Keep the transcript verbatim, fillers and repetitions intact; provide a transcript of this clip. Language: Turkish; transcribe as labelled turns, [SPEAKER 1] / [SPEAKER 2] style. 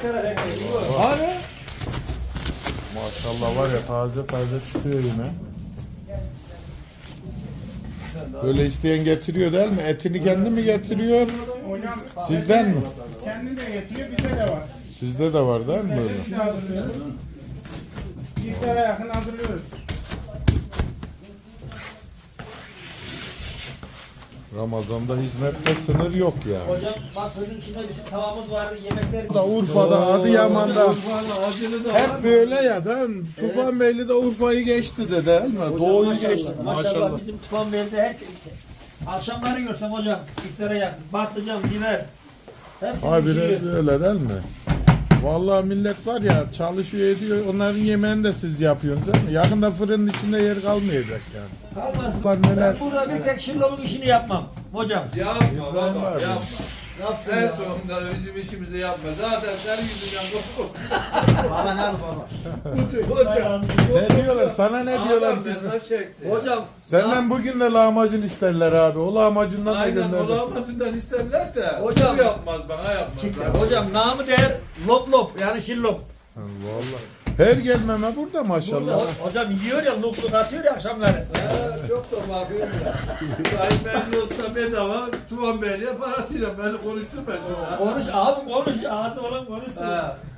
[SPEAKER 1] Hani?
[SPEAKER 2] Maşallah var ya taze taze çıkıyor yine. Böyle isteyen getiriyor değil mi? Etini kendi mi getiriyor?
[SPEAKER 3] Hocam
[SPEAKER 2] Sizden mi?
[SPEAKER 3] kendi de getiriyor, bizde de var.
[SPEAKER 2] Sizde de var değil mi
[SPEAKER 3] Biz
[SPEAKER 2] böyle?
[SPEAKER 3] de hazırlıyoruz. İftara yakın hazırlıyoruz.
[SPEAKER 2] Ramazan'da hizmette sınır yok yani.
[SPEAKER 4] Hocam bak bunun içinde bir tavamız var, yemekler.
[SPEAKER 2] Da Urfa'da, Adıyaman'da
[SPEAKER 1] Acılı da
[SPEAKER 2] hep böyle ya değil mi? Tufan Beyli de Urfa'yı geçti de değil mi? Doğu'yu
[SPEAKER 4] Maşallah,
[SPEAKER 2] geçti.
[SPEAKER 4] Maşallah,
[SPEAKER 2] Maşallah.
[SPEAKER 4] bizim Tufan Bey'de her akşamları görsem hocam iftara yakın. Patlıcan, biber. Hepsini
[SPEAKER 2] Abi
[SPEAKER 4] pişiriyoruz.
[SPEAKER 2] öyle değil mi? Vallahi millet var ya çalışıyor ediyor. Onların yemeğini de siz yapıyorsunuz değil mi? Yakında fırının içinde yer kalmayacak yani.
[SPEAKER 4] Kalmasın.
[SPEAKER 2] Lan neler-
[SPEAKER 4] Ben burada bir tek şillomun işini yapmam hocam.
[SPEAKER 1] Yapma baba
[SPEAKER 2] abi.
[SPEAKER 1] yapma.
[SPEAKER 4] Yapsın
[SPEAKER 1] En
[SPEAKER 4] ya.
[SPEAKER 1] sonunda bizim işimizi yapma. Zaten senin yüzünden korktum.
[SPEAKER 4] Baba ne baba?
[SPEAKER 1] Hocam.
[SPEAKER 2] Ne diyorlar? Sana ne diyorlar?
[SPEAKER 1] Adam mesaj çekti.
[SPEAKER 4] Hocam.
[SPEAKER 2] Senden bugün de lahmacun isterler abi. O lahmacundan da
[SPEAKER 1] Aynen
[SPEAKER 2] gönderdim.
[SPEAKER 1] olamadığından isterler de.
[SPEAKER 4] Hocam.
[SPEAKER 1] Bu yapmaz bana yapmaz.
[SPEAKER 4] Hocam namı değer lop lop yani şillop.
[SPEAKER 2] Vallahi. Her gelmeme burada maşallah.
[SPEAKER 4] Burada, hocam yiyor ya lopluk atıyor ya akşamları.
[SPEAKER 1] Ha, çok da bakıyorum ya. Sayın Beyli olsa bedava, Tuvan Beyli'ye parasıyla beni konuşturma.
[SPEAKER 4] Konuş abi konuş ağzı olan konuşsun.
[SPEAKER 1] Ha.